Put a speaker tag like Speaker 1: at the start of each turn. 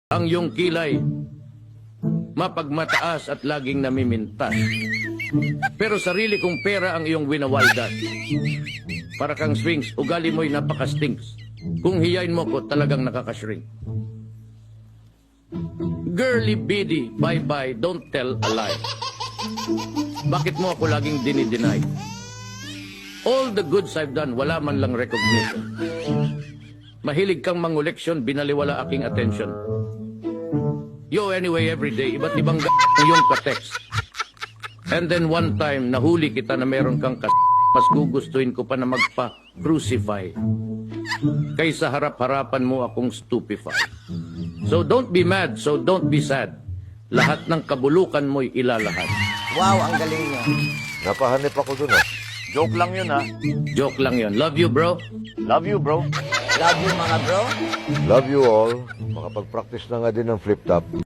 Speaker 1: Ang iyong kilay, mapagmataas at laging namimintas. Pero sarili kong pera ang iyong winawaldas. Para kang swings, ugali mo'y napaka-stinks. Kung hiyain mo ko, talagang nakakashrink. Girly biddy, bye-bye, don't tell a lie. Bakit mo ako laging dinideny? All the goods I've done, wala man lang recognition. Mahilig kang manguleksyon, binaliwala aking attention. Yo, anyway, every day, iba't ibang yung ka-text. And then one time, nahuli kita na meron kang mas gugustuhin ko pa na magpa-crucify. Kaysa harap-harapan mo akong stupefy. So don't be mad, so don't be sad. Lahat ng kabulukan mo'y ilalahad.
Speaker 2: Wow, ang galing niya.
Speaker 3: Napahanip ako dun ah.
Speaker 4: Joke lang yun, ha?
Speaker 1: Joke lang yon. Love you, bro.
Speaker 4: Love you, bro.
Speaker 2: Love you, mga bro.
Speaker 3: Love you all. Makapag-practice na nga din ng flip-top.